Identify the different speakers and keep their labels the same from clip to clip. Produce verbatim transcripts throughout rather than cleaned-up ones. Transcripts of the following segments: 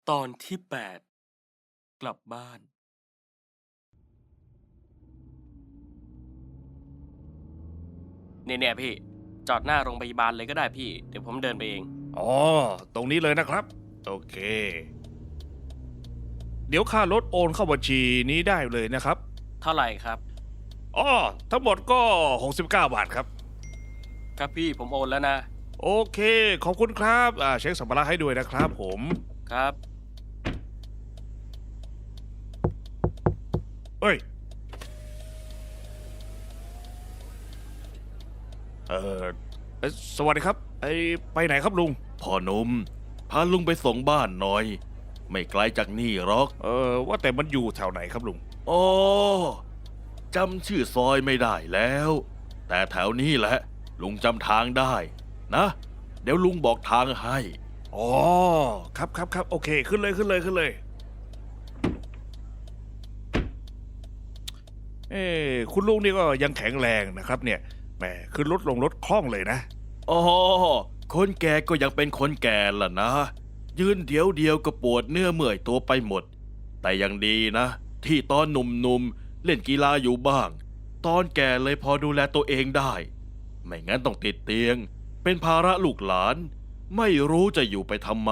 Speaker 1: ตอนที่แปดกลับบ้านเนี่ยๆพี่จอดหน้าโรงพยาบาลเลยก็ได้พี่เดี๋ยวผมเดินไปเอง
Speaker 2: อ๋อ ตรงนี้เลยนะครับ โอเค เดี๋ยวค่ารถโอนเข้าบัญชีนี้ได้เลยนะครับ
Speaker 1: เท่าไหร่ครับ
Speaker 2: อ๋อ ทั้งหมดก็หกสิบเก้าบาทครับ
Speaker 1: ครับพี่ผมโอนแล้วนะ
Speaker 2: โอเค ขอบคุณครับ อ่า เช็คสัมภาระให้ด้วยนะครับผม
Speaker 1: ครับ
Speaker 2: เอ้ย เออเอ่อสวัสดีครับ ไอไปไหนครับลุง
Speaker 3: พ่อหนุ่มพาลุงไปส่งบ้านหน่อย ไม่ไกลจากนี่หรอก
Speaker 2: เออ ว่าแต่มันอยู่แถวไหนครับลุง
Speaker 3: อ๋อจำชื่อซอยไม่ได้แล้ว แต่แถวนี้แหละ ลุงจำทางได้ นะ เดี๋ยวลุงบอกทางให้
Speaker 2: อ๋อ ครับครับครับโอเค ขึ้นเลยขึ้นเลยขึ้นเลย เอ้คุณลุงนี่ก็ยังแข็งแรงนะครับเนี่ยแหมขึ้นรถลงรถคล่องเลยนะ
Speaker 3: อ๋อ คนแก่ก็ยังเป็นคนแก่ล่ะนะ ยืนเดียวเดียวก็ปวดเนื้อเมื่อยตัวไปหมด แต่ยังดีนะ ที่ตอนหนุ่มๆเล่นกีฬาอยู่บ้าง ตอนแก่เลยพอดูแลตัวเองได้ ไม่งั้นต้องติดเตียง เป็นภาระลูกหลาน ไม่รู้จะอยู่ไปทำไม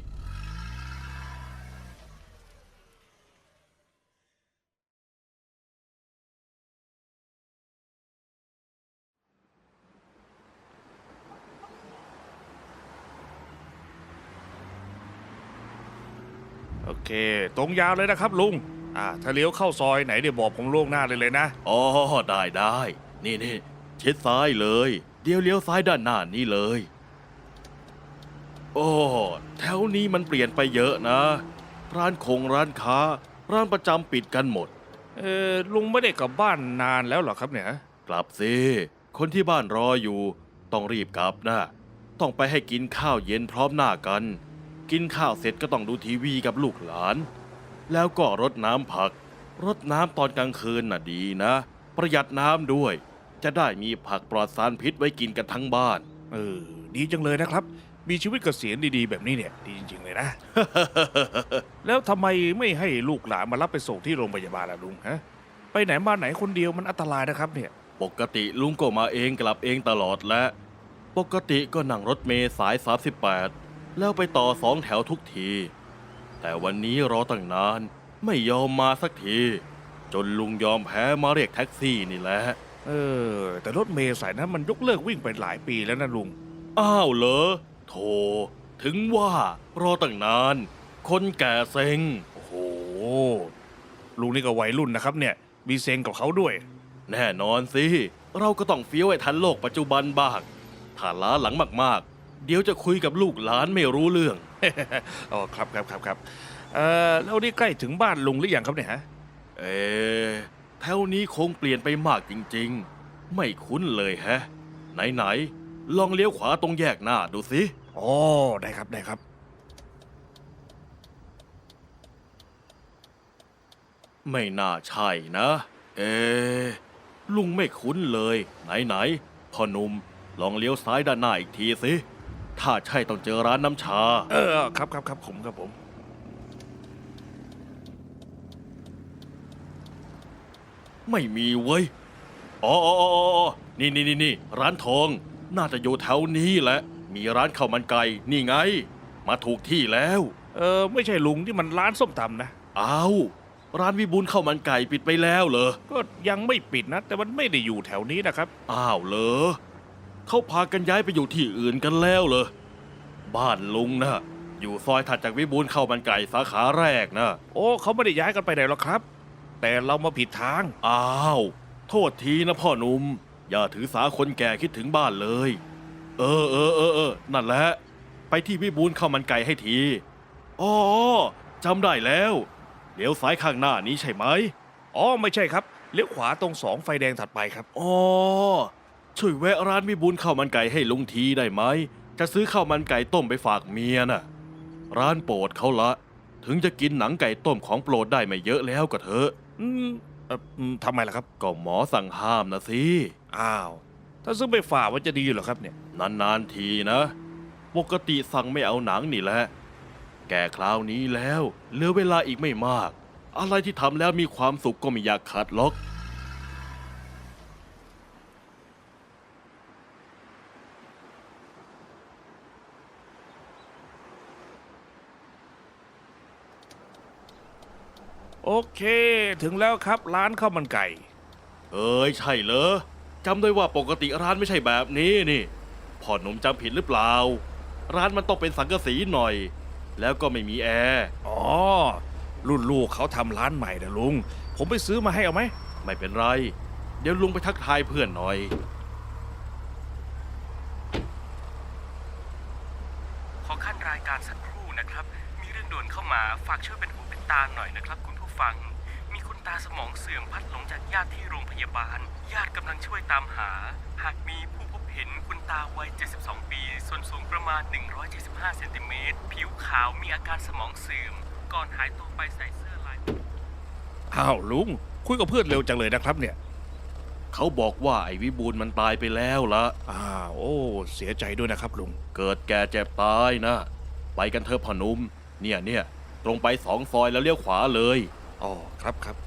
Speaker 2: โอเค ตรงยาวเลยนะครับลุงอ่าถ้าเลี้ยวเข้าซอยไหนเดี๋ยวบอกผมล่วงหน้าเลยเลยนะ
Speaker 3: อ๋อ ได้ได้ นี่นี่ชิดซ้ายเลย เดี๋ยวเลี้ยวซ้ายด้านหน้านี่เลย โอ้แถวนี้มันเปลี่ยนไปเยอะนะ ร้านคงร้านค้า ร้านประจำปิดกันหมด
Speaker 2: เออลุงไม่ได้กลับบ้านนานแล้วเหรอครับเนี่ย
Speaker 3: กลับสิ คนที่บ้านรออยู่ ต้องรีบกลับนะ ต้องไปให้กินข้าวเย็นพร้อมหน้ากัน กินข้าวเสร็จก็ต้องดูทีวีกับลูกหลาน แล้วก็รดน้ำผัก รดน้ำตอนกลางคืนน่ะดีนะ ประหยัดน้ำด้วย จะได้มีผักปลอดสารพิษไว้กินกันทั้งบ้าน
Speaker 2: เออดีจังเลยนะครับ มีชีวิตเกษียณดีๆแบบนี้เนี่ยดีจริงๆเลยนะ แล้วทำไมไม่ให้ลูกหลานมารับไปส่งที่โรงพยาบาลล่ะลุงฮะไปไหนมาไหนคนเดียวมันอันตรายนะครับเนี่ย
Speaker 3: ปกติลุงก็มาเองกลับเองตลอดและ ปกติก็นั่งรถเมล์สาย สามสิบแปด แล้วไปต่อสองแถวทุกที แต่วันนี้รอตั้งนาน ไม่ยอมมาสักที จนลุงยอมแพ้มาเรียกแท็กซี่นี่แหละ
Speaker 2: เออ แต่รถเมล์สายนั้นมันยกเลิกวิ่งไปหลายปีแล้วนะลุง
Speaker 3: อ้าวเหรอโธ่ถึงว่ารอตั้งนาน คนแก่เซ็ง
Speaker 2: โอ้โหลุงนี่ก็วัยรุ่นนะครับเนี่ย มีเซ็งกับเขาด้วย
Speaker 3: แน่นอนสิ เราก็ต้องเฟี้ยวให้ทันโลกปัจจุบันบ้าง ถ้าล้าหลังมากๆ เดี๋ยวจะคุยกับลูกหลานไม่รู้เรื่อง
Speaker 2: อ๋อครับครับครับครับเอ่อแล้วนี่ใกล้ถึงบ้านลุงหรือยังครับเนี่ยฮะ
Speaker 3: เอ๊ะแถวนี้คงเปลี่ยนไปมากจริงๆ ไม่คุ้นเลยแฮะ ไหนๆ ลองเลี้ยวขวาตรงแยกหน้าดูสิ
Speaker 2: อ๋อได้ครับได้ครับ
Speaker 3: ไม่น่าใช่นะ เอ๊ะลุงไม่คุ้นเลย ไหนๆ พ่อหนุ่มลองเลี้ยวซ้ายด้านหน้าอีกทีสิ ถ้าใช่ต้องเจอร้านน้ำชา
Speaker 2: เออครับครับครับผมครับผม
Speaker 3: ไม่มีเว้ย อ๋ออ๋ออ๋ออ๋อนี่นี่นี่นี่ร้านทอง น่าจะอยู่แถวนี้แหละ มีร้านข้าวมันไก่ นี่ไง มาถูกที่แล้ว
Speaker 2: เออไม่ใช่ลุงที่มันร้านส้มตำนะ
Speaker 3: อ้าว ร้านวิบูลย์ข้าวมันไก่ปิดไปแล้วเหรอ
Speaker 2: ก็ยังไม่ปิดนะ แต่มันไม่ได้อยู่แถวนี้นะครับ
Speaker 3: อ้าวเหรอ เขาพากันย้ายไปอยู่ที่อื่นกันแล้วเหรอ บ้านลุงนะอยู่ซอยถัดจากวิบูลย์ข้าวมันไก่สาขาแรกนะ
Speaker 2: โอ้เขาไม่ได้ย้ายกันไปไหนหรอกครับ แต่เรามาผิดทาง
Speaker 3: อ้าว โทษทีนะพ่อหนุ่ม อย่าถือสาคนแก่คิดถึงบ้านเลย เออเออเออเออนั่นแหละ ไปที่วิบูลย์ข้าวมันไก่ให้ที อ๋อจำได้แล้วเดี๋ยวซ้ายข้างหน้านี้ใช่ไหม
Speaker 2: อ๋อไม่ใช่ครับเลี้ยวขวาตรงสองไฟแดงถัดไปครับ
Speaker 3: อ๋อ ช่วยแวะร้านวิบูลย์ข้าวมันไก่ให้ลุงทีได้ไหม จะซื้อข้าวมันไก่ต้มไปฝากเมียน่ะ ร้านโปรดเขาละ ถึงจะกินหนังไก่ต้มของโปรดได้ไม่เยอะแล้วก็เถอะ
Speaker 2: อืมเอออืมทำไมล่ะครับ
Speaker 3: ก็หมอสั่งห้ามนะสิ
Speaker 2: อ้าว ถ้าซื้อไปฝากมันจะดีเหรอครับเนี่ย
Speaker 3: นานๆทีนะ ปกติสั่งไม่เอาหนังนี่แหละแก่คราวนี้แล้วเหลือเวลาอีกไม่มาก อะไรที่ทำแล้วมีความสุขก็ไม่อยากขัดหรอก
Speaker 2: โอเค ถึงแล้วครับร้านข้าวมันไก่
Speaker 3: เอ้ยใช่เหรอจำได้ว่าปกติร้านไม่ใช่แบบนี้นี่พ่อหนุ่มจำผิดหรือเปล่า ร้านมันต้องเป็นสังกะสีหน่อย แล้วก็ไม่มีแอร์
Speaker 2: อ๋อ รุ่นลูกเขาทำร้านใหม่นะลุง ผมไปซื้อมาให้เอาไหม
Speaker 3: ไม่เป็นไร เดี๋ยวลุงไปทักทายเพื่อนหน่อย
Speaker 1: ขอขั้นรายการสักครู่นะครับ มีเรื่องด่วนเข้ามาฝากช่วยเป็นหูเป็นตาหน่อยนะครับคุณผู้ฟัง มีคุณตาสมองเสื่อมพลัดหลงจากญาติที่โรงพยาบาล ญาติกำลังช่วยตามหา หากมีผู้พบเห็นคุณตาวัย เจ็ดสิบสอง ปี ส่วนสูงประมาณ หนึ่งร้อยเจ็ดสิบห้า เซนติเมตร ผิวขาวมีอาการสมองเสื่อม ก่อนหายตัวไปใส่เสื้อลาย
Speaker 2: อ้าวลุง คุยกับเพื่อนเร็วจังเลยนะครับเนี่ย
Speaker 3: เขาบอกว่าไอ้วิบูลย์มันตายไปแล้วละ
Speaker 2: อ้าวโอ้ เสียใจด้วยนะครับลุง
Speaker 3: เกิดแก่เจ็บตายนะ ไปกันเถอะพ่อหนุ่มเนี่ยเนี่ยตรงไปสองซอยแล้วเลี้ยวขวาเลย
Speaker 2: อ๋อ ครับครับ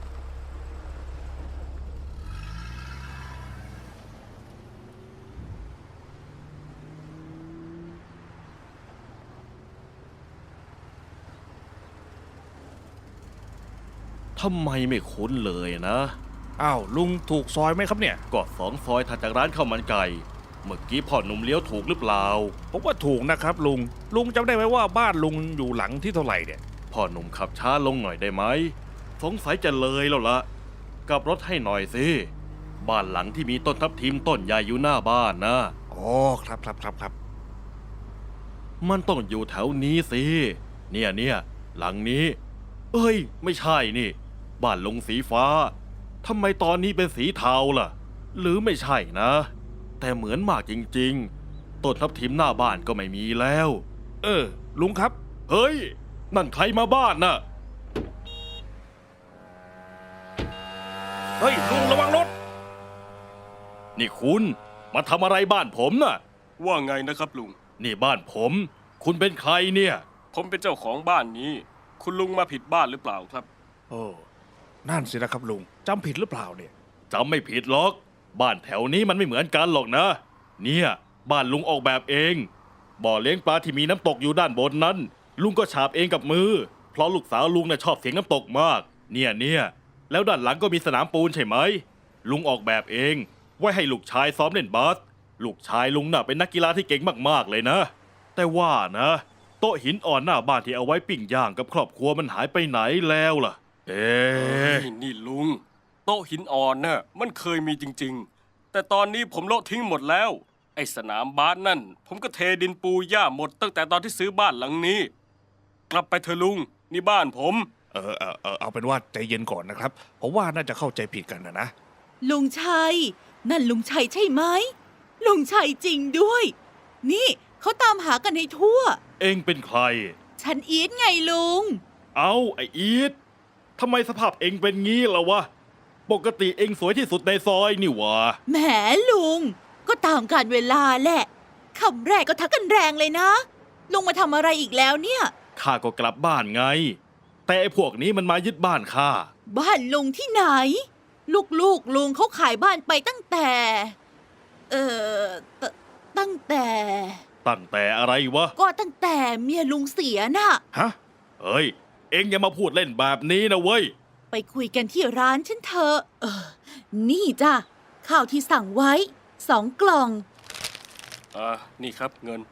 Speaker 3: ทำไมไม่คุ้นเลยนะ
Speaker 2: อ้าวลุงถูกซอยไหมครับเนี่ย
Speaker 3: ก็สองซอยถัดจากร้านข้าวมันไก่ เมื่อกี้พ่อหนุ่มเลี้ยวถูกหรือเปล่า
Speaker 2: ผมว่าถูกนะครับลุง ลุงจำได้ไหมว่าบ้านลุงอยู่หลังที่เท่าไหร่เนี่ย
Speaker 3: พ่อหนุ่มขับช้าลงหน่อยได้ไหม สงสัยจะเลยแล้วละกลับรถให้หน่อยสิ บ้านหลังที่มีต้นทับทิมต้นใหญ่อยู่หน้าบ้านนะ
Speaker 2: อ๋อ ครับครับครับครับ
Speaker 3: มันต้องอยู่แถวนี้สิ เนี่ยเนี่ยหลังนี้ เอ้ย ไม่ใช่นี่ บ้านลุงสีฟ้า ทำไมตอนนี้เป็นสีเทาล่ะ หรือไม่ใช่นะ แต่เหมือนมากจริงๆ ต้นทับทิมหน้าบ้านก็ไม่มีแล้ว
Speaker 2: เออ ลุงครับ
Speaker 3: เฮ้ย นั่นใครมาบ้านน่ะ
Speaker 2: เฮ้ยลุงระวังรถ
Speaker 3: นี่คุณมาทำอะไรบ้านผมน่ะ
Speaker 1: ว่าไงนะครับลุง
Speaker 3: นี่บ้านผม คุณเป็นใครเนี่ย
Speaker 1: ผมเป็นเจ้าของบ้านนี้ คุณลุงมาผิดบ้านหรือเปล่าครับ
Speaker 2: โอ้นั่นสินะครับลุงจำผิดหรือเปล่าเนี่ย
Speaker 3: จำไม่ผิดหรอก บ้านแถวนี้มันไม่เหมือนกันหรอกนะ เนี่ย บ้านลุงออกแบบเอง บ่อเลี้ยงปลาที่มีน้ำตกอยู่ด้านบนนั้น ลุงก็ฉาบเองกับมือ เพราะลูกสาวลุงน่ะชอบเสียงน้ำตกมาก เนี่ยเนี่ยแล้วด้านหลังก็มีสนามปูนใช่ไหม ลุงออกแบบเอง ไว้ให้ลูกชายซ้อมเล่นบาส ลูกชายลุงน่ะเป็นนักกีฬาที่เก่งมากๆเลยนะ แต่ว่านะ โต๊ะหินอ่อนหน้าบ้านที่เอาไว้ปิ้งย่างกับครอบครัวมันหายไปไหนแล้วล่ะ เอ๊ะ
Speaker 1: นี่นี่ลุง โต๊ะหินอ่อนน่ะมันเคยมีจริงๆ แต่ตอนนี้ผมโละทิ้งหมดแล้ว ไอ้สนามบาสนั่น ผมก็เทดินปูหญ้าหมดตั้งแต่ตอนที่ซื้อบ้านหลังนี้ กลับไปเถอะลุง นี่บ้านผม
Speaker 2: เออเออเออเอาเป็นว่าใจเย็นก่อนนะครับผมว่าน่าจะเข้าใจผิดกันนะนะ
Speaker 4: ลุงชัย นั่นลุงชัยใช่ไหม ลุงชัยจริงด้วย นี่เขาตามหากันให้ทั่ว
Speaker 3: เอ็งเป็นใคร
Speaker 4: ฉันอีทไงลุง
Speaker 3: เอาไอ้อีททำไมสภาพเอ็งเป็นงี้ล่ะวะ ปกติเอ็งสวยที่สุดในซอยนี่หวะ
Speaker 4: แหมลุง ก็ตามกาลเวลาแหละคำแรกก็ทักกันแรงเลยนะ ลุงมาทำอะไรอีกแล้วเนี่ย
Speaker 3: ข้าก็กลับบ้านไง แต่ไอ้พวกนี้มันมายึดบ้านข้า
Speaker 4: บ้านลุงที่ไหน ลูกๆลุงเขาขายบ้านไปตั้งแต่ เอ่อตตั้งแต่
Speaker 3: ตั้งแต่อะไรวะ
Speaker 4: ก็ตั้งแต่เมียลุงเสียน่ะ
Speaker 2: ฮะ
Speaker 3: เฮ้ย เอ็งอย่ามาพูดเล่นแบบนี้นะเว้ย
Speaker 4: ไปคุยกันที่ร้านฉันเถอะ เออ นี่จ้ะ ข้าวที่สั่งไว้ สองกล่อง
Speaker 1: อ่า นี่ครับเงิน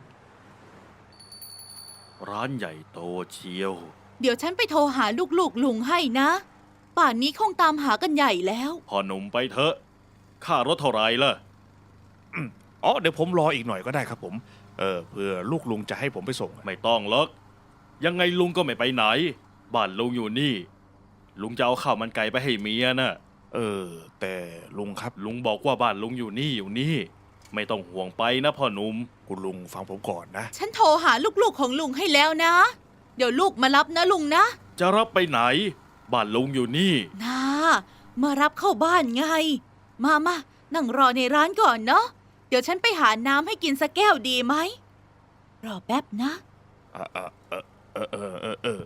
Speaker 3: ร้านใหญ่โตเชียว
Speaker 4: เดี๋ยวฉันไปโทรหาลูกๆลุงให้นะ ป่านนี้คงตามหากันใหญ่แล้ว
Speaker 3: พอหนุ่มไปเถอะ ค่ารถเท่าไหรล่ะ
Speaker 2: อ๋อเดี๋ยวผมรออีกหน่อยก็ได้ครับผม เออเพื่อลูกลุงจะให้ผมไปส่ง
Speaker 3: ไม่ต้องหรอก ยังไงลุงก็ไม่ไปไหน บ้านลุงอยู่นี่ ลุงจะเอาข้าวมันไก่ไปให้เมียน่ะ
Speaker 2: เออ แต่ลุงครับ
Speaker 3: ลุงบอกว่าบ้านลุงอยู่นี่อยู่นี่ ไม่ต้องห่วงไปนะพ่อหนุ่ม
Speaker 2: คุณลุงฟังผมก่อนนะ
Speaker 4: ฉันโทรหาลูกๆของลุงให้แล้วนะ เดี๋ยวลูกมารับนะลุงนะ
Speaker 3: จะรับไปไหน บ้านลุงอยู่นี่
Speaker 4: นามารับเข้าบ้านไง มามานั่งรอในร้านก่อนเนาะ เดี๋ยวฉันไปหาน้ำให้กินสักแก้วดีไหม รอแป๊บนะ
Speaker 2: เออเออเออเออเออเออเออ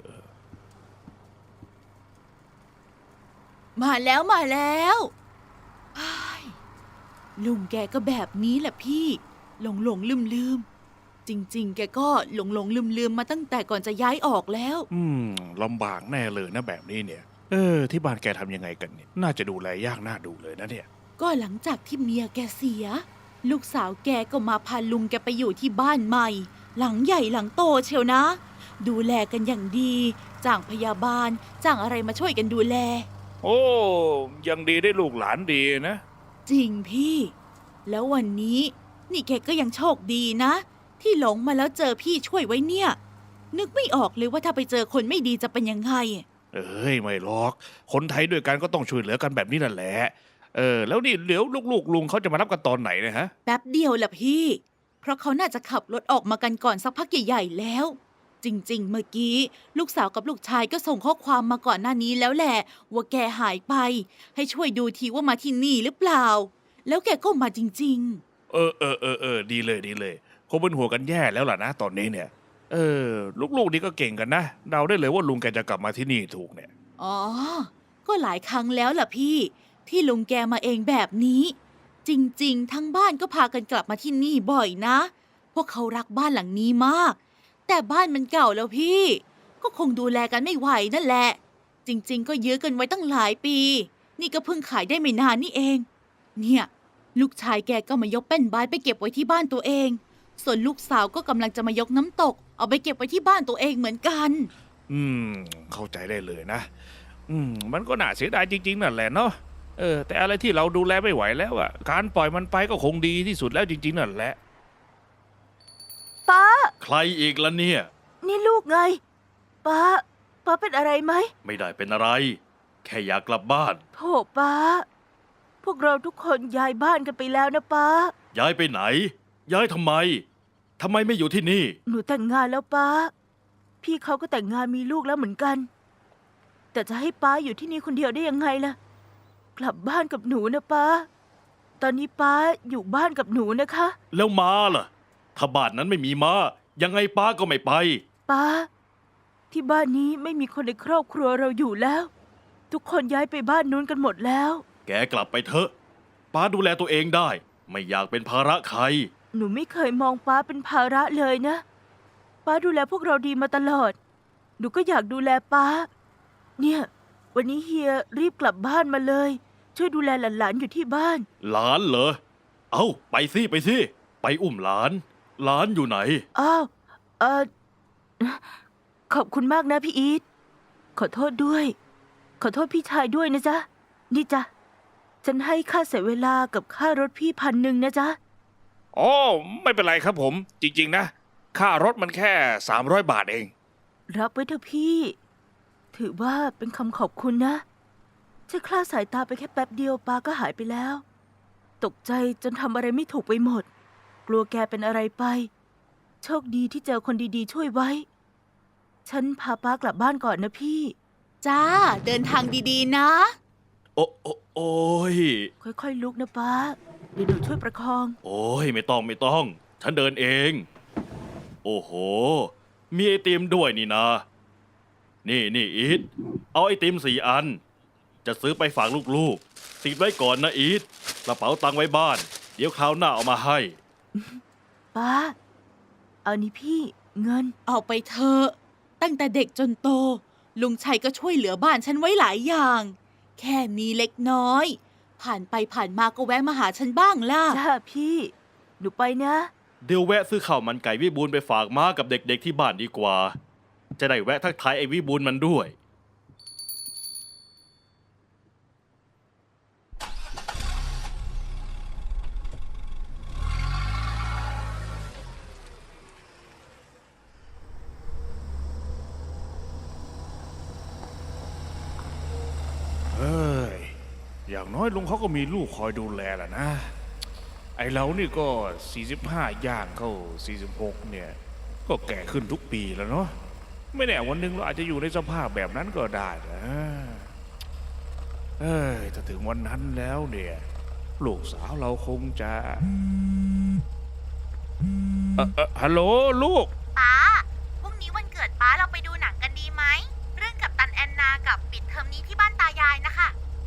Speaker 4: มาแล้วมาแล้วไอ้ายลุงแกก็แบบนี้แหละพี่ หลงหลงลืมลืมๆจริง ๆ แกก็หลงหลงลืมลืมๆมาตั้งแต่ก่อนจะย้ายออกแล้ว
Speaker 2: อืมลำบากแน่เลยนะแบบนี้เนี่ย เออ ที่บ้านแกทำยังไงกันเนี่ย น่าจะดูแลยากน่าดูเลยนะเนี่ย
Speaker 4: ก็หลังจากที่เมียแกเสีย ลูกสาวแกก็มาพาลุงแกไปอยู่ที่บ้านใหม่ หลังใหญ่หลังโตเชียวนะ ดูแลกันอย่างดีจ้างพยาบาลจ้างอะไรมาช่วยกันดูแล
Speaker 2: โอ้ยังดีได้ลูกหลานดีนะ
Speaker 4: จริงพี่ แล้ววันนี้ นี่แกก็ยังโชคดีนะ ที่หลงมาแล้วเจอพี่ช่วยไว้เนี่ย นึกไม่ออกเลยว่าถ้าไปเจอคนไม่ดีจะเป็นยังไง
Speaker 2: เอ้ยไม่หรอก คนไทยด้วยกันก็ต้องช่วยเหลือกันแบบนี้นั่นแหละ เออ แล้วนี่เดี๋ยวลูกๆลุงเขาจะมารับกันตอนไหนเนะฮะ
Speaker 4: แป๊บเดียวล่ะพี่ เพราะเขาน่าจะขับรถออกมากันก่อนสักพักใหญ่ๆแล้ว จริงๆ เมื่อกี้ ลูกสาวกับลูกชายก็ส่งข้อความมาก่อนหน้านี้แล้วแหละ ว่าแกหายไป ให้ช่วยดูทีว่ามาที่นี่หรือเปล่า แล้วแกก็มาจริง
Speaker 2: เออเออเออเออดีเลยดีเลยคงเป็นหัวกันแย่แล้วล่ะนะตอนนี้เนี่ย เออ ลูกๆนี่ก็เก่งกันนะเดาได้เลยว่าลุงแกจะกลับมาที่นี่ถูกเนี่ย
Speaker 4: ๆ อ๋อ ก็หลายครั้งแล้วล่ะพี่ ที่ลุงแกมาเองแบบนี้ จริงๆ ทั้งบ้านก็พากันกลับมาที่นี่บ่อยนะ พวกเขารักบ้านหลังนี้มาก แต่บ้านมันเก่าแล้วพี่ ก็คงดูแลกันไม่ไหวนั่นแหละ จริงๆ ก็ยื้อกันไว้ตั้งหลายปี นี่ก็เพิ่งขายได้ไม่นานนี่เอง เนี่ย ลูกชายแกก็มายกแป้นบายไปเก็บไว้ที่บ้านตัวเอง ส่วนลูกสาวก็กำลังจะมายกน้ำตก เอาไปเก็บไว้ที่บ้านตัวเองเหมือนกัน
Speaker 2: อืม เข้าใจได้เลยนะ อืม มันก็น่าเสียดายจริงๆนั่นแหละเนาะ เออ แต่อะไรที่เราดูแลไม่ไหวแล้วอะการปล่อยมันไปก็คงดีที่สุดแล้วจริงๆนั่นแหละ
Speaker 5: ป้า
Speaker 3: ใครอีกล่ะเนี่ย
Speaker 5: นี่ลูกไง ป้า ป้าเป็นอะไรไหม
Speaker 3: ไม่ได้เป็นอะไร แค่อยากกลับบ้าน
Speaker 5: โถป้า พวกเราทุกคนย้ายบ้านกันไปแล้วนะป้า
Speaker 3: ย้ายไปไหน ย้ายทำไมทำไมไม่อยู่ที่นี่
Speaker 5: หนูแต่งงานแล้วป้า พี่เขาก็แต่งงานมีลูกแล้วเหมือนกัน แต่จะให้ป้าอยู่ที่นี่คนเดียวได้ยังไงล่ะ กลับบ้านกับหนูนะป้า ตอนนี้ป้าอยู่บ้านกับหนูนะคะ
Speaker 3: แล้วม้าล่ะ ถ้าบ้านนั้นไม่มีม้า ยังไงป้าก็ไม่ไป
Speaker 5: ป้า ที่บ้านนี้ไม่มีคนในครอบครัวเราอยู่แล้ว ทุกคนย้ายไปบ้านนู้นกันหมดแล้ว
Speaker 3: แกกลับไปเถอะ ป้าดูแลตัวเองได้ ไม่อยากเป็นภาระใคร
Speaker 5: หนูไม่เคยมองป้าเป็นภาระเลยนะ ป้าดูแลพวกเราดีมาตลอด หนูก็อยากดูแลป้า เนี่ย วันนี้เฮียรีบกลับบ้านมาเลย ช่วยดูแลหลานๆอยู่ที่บ้าน
Speaker 3: หลานเหรอ เอ้า ไปสิไปสิ ไปอุ้มหลาน หลานอยู่ไหน
Speaker 5: อ้าว เออขอบคุณมากนะพี่อีท ขอโทษด้วย ขอโทษพี่ชายด้วยนะจ๊ะ นี่จ๊ะ ฉันให้ค่าเสียเวลากับค่ารถพี่พันหนึ่งนะจ๊ะ
Speaker 2: อ๋อ ไม่เป็นไรครับผม จริงๆนะ ค่ารถมันแค่สามร้อยบาทเอง
Speaker 5: รับไว้เถอะพี่ ถือว่าเป็นคำขอบคุณนะฉันคลาดสายตาไปแค่แป๊บเดียวปาก็หายไปแล้ว ตกใจจนทำอะไรไม่ถูกไปหมด กลัวแกเป็นอะไรไป โชคดีที่เจอคนดีๆช่วยไว้ ฉันพาป้ากลับบ้านก่อนนะพี่
Speaker 4: จ้า เดินทางดีๆ นะ
Speaker 3: โอ้โอ้โอ้ย
Speaker 5: ค่อยๆลุกนะป้า เดี๋ยวหนูช่วยประคอง
Speaker 3: โอ้ย ไม่ต้องไม่ต้อง ฉันเดินเอง โอ้โห มีไอติมด้วยนี่นะ นี่นี่อีท เอาไอติมสี่อัน จะซื้อไปฝากลูกๆ ติดไว้ก่อนนะอีท กระเป๋าตังค์ไว้บ้าน เดี๋ยวคราวหน้าเอามาให้
Speaker 5: ป้า เอานี่พี่เงิน
Speaker 4: เอาไปเถอะตั้งแต่เด็กจนโต ลุงชัยก็ช่วยเหลือบ้านฉันไว้หลายอย่าง แค่นี้เล็กน้อย ผ่านไปผ่านมาก็แวะมาหาฉันบ้างล่ะ
Speaker 5: จ้าพี่ หนูไปนะ
Speaker 3: เดี๋ยวแวะซื้อข้าวมันไก่วิบูลย์ไปฝากม้ากับเด็กๆที่บ้านดีกว่า จะได้แวะทักทายไอ้วิบูลย์มันด้วย
Speaker 2: เอ้ย อย่างน้อยลุงเขาก็มีลูกคอยดูแลแหละนะ ไอเรานี่ก็สี่สิบห้าย่างเข้าสี่สิบหกเนี่ย ก็แก่ขึ้นทุกปีแล้วเนาะ ไม่แน่วันหนึ่งเราอาจจะอยู่ในสภาพแบบนั้นก็ได้นะเอ้ย ถ้าถึงวันนั้นแล้วเนี่ย ลูกสาวเราคงจะเอ่อเอ่อฮัลโหลลูก
Speaker 4: ป้าพรุ่งนี้วันเกิดป้าเราไปดู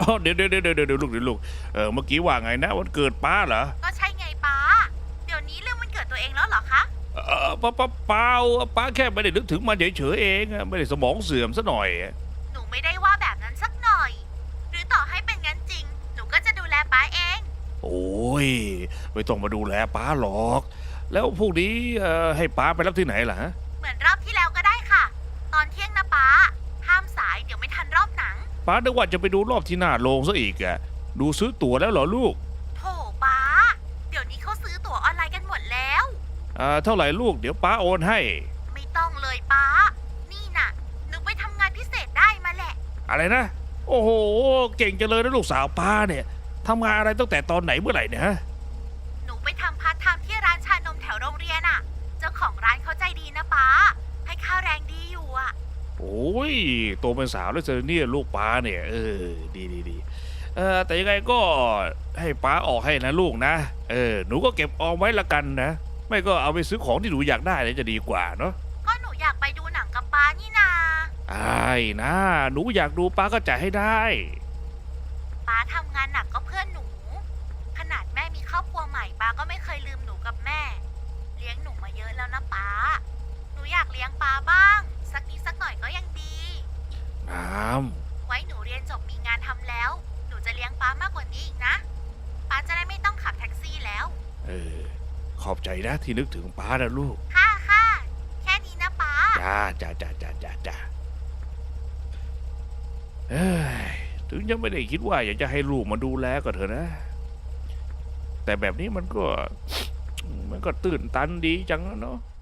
Speaker 2: อ๋อเดี๋ยวเดี๋ยวเดี๋ยวเดี๋ยวลูกเดี๋ยวลูกเออเมื่อกี้ว่าไงนะวันเกิดป้าเหรอ
Speaker 4: ก็ใช่ไงป้า เดี๋ยวนี้เรื่องมันเกิดตัวเองแล้วเหรอคะ
Speaker 2: เออป้าป้าเปล่าป้าแค่ไม่ได้นึกถึงมันเฉยๆเองอะไม่ได้สมองเสื่อมซะหน่อย
Speaker 4: หนูไม่ได้ว่าแบบนั้นสักหน่อย หรือต่อให้เป็นงั้นจริง หนูก็จะดูแลป้าเอง
Speaker 2: โอ้ยไม่ต้องมาดูแลป้าหรอก แล้วพวกนี้เอ่อให้ป้าไปรับที่ไหนล่ะฮะ
Speaker 4: เหมือนรอบที่แล้วก็ได้ค่ะ ตอนเที่ยงนะป้า ห้ามสายเดี๋ยวไม่ทันรอบหนัง
Speaker 2: ป้านึกว่าจะไปดูรอบที่หน้าโรงซะอีกอะดูซื้อตั๋วแล้วเหรอลูก
Speaker 4: โถป้า เดี๋ยวนี้เขาซื้อตั๋วออนไลน์กันหมดแล้ว
Speaker 2: อ่าเท่าไหร่ลูกเดี๋ยวป้าโอนให้
Speaker 4: ไม่ต้องเลยป้า นี่น่ะ หนูไปทำงานพิเศษได้มาแหละ
Speaker 2: อะไรนะ โอ้โห เก่งจังเลยนะลูกสาวป้าเนี่ยทำงานอะไรตั้งแต่ตอนไหนเมื่อไหร่เนี่ยฮะ
Speaker 4: หนูไปทำพาร์ทไทม์ที่ร้านชานมแถวโรงเรียนอ่ะ เจ้าของร้านเขาใจดีนะป้า ให้ค่าแรงดีอยู่อ่ะ
Speaker 2: โอ้ยโตเป็นสาวแล้วเจอเนี่ยลูกป้าเนี่ยเออดีดีดีเออแต่ยังไงก็ให้ป้าออกให้นะลูกนะเออหนูก็เก็บออมไว้ละกันนะ ไม่ก็เอาไปซื้อของที่หนูอยากได้เลยจะดีกว่าเนาะ
Speaker 4: ก็หนูอยากไปดูหนังกับป้านี่นา
Speaker 2: ไอ้นะหนูอยากดูป้าก็จ่ายให้ได้
Speaker 4: ป้าทำงานหนักก็เพื่อนหนู ขนาดแม่มีครอบครัวใหม่ป้าก็ไม่เคยลืมหนูกับแม่ เลี้ยงหนูมาเยอะแล้วนะป้า หนูอยากเลี้ยงป้าบ้าง สักนิดสักหน่อยก็ยังดี
Speaker 2: น้
Speaker 4: ไว้หนูเรียนจบมีงานทำแล้ว หนูจะเลี้ยงป้ามากกว่านี้อีกนะ ป้าจะได้ไม่ต้องขับแท็กซี่แล้ว
Speaker 2: ำเออขอบใจนะที่นึกถึงป้านะลูก
Speaker 4: ค่ะค่ะ แค่นี้นะป้า
Speaker 2: จ้าจ้าจ้าจ้าจ้าจ้าเอ้ยถึงจะไม่ได้คิดว่าอยากจะให้ลูกมาดูแลก็เถอะนะ แต่แบบนี้มันก็ มันก็ตื่นตันดีจังนะเนาะ